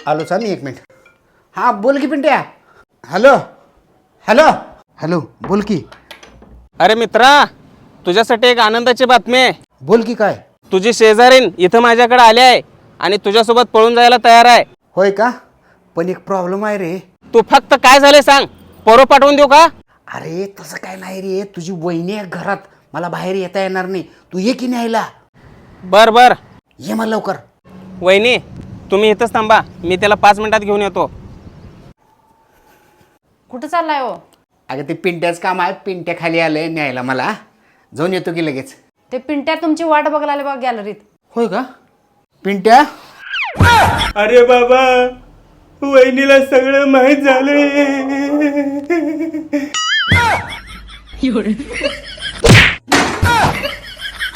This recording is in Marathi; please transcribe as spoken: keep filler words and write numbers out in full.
आलो चाल एक मिनिट. हां बोल की पिंट्या. हॅलो हॅलो हॅलो बोल की. अरे मित्रा, तुझ्यासाठी एक आनंदाची बातमी आहे. बोल की काय. तुझी शेजारीन इथं माझ्याकडे आली आहे आणि तुझ्यासोबत पळून जायला तयार आहे. होय का. पण एक प्रॉब्लेम आहे रे. तू फक्त काय झाले सांग, पोरं पाठवून देऊ का? अरे तसं काय नाही रे, तुझी वहिनी आहे घरात, मला बाहेर येता येणार नाही. तू ये की न्यायला. बर बर. ये मला लवकर. वहिनी तुम्ही इथंच थांबा, मी त्याला पाच मिनिटात घेऊन येतो. कुठं चाललाय हो? अगं ते पिंट्याच काम आहे, पिंट्या खाली आलंय न्यायला मला. जाऊन येतो की लगेच. ते पिंट्या तुमची वाट बघायला आले बघा गॅलरीत. होय का. पिंट्या. अरे बाबा, वहिनीला सगळं माहीत झालंय.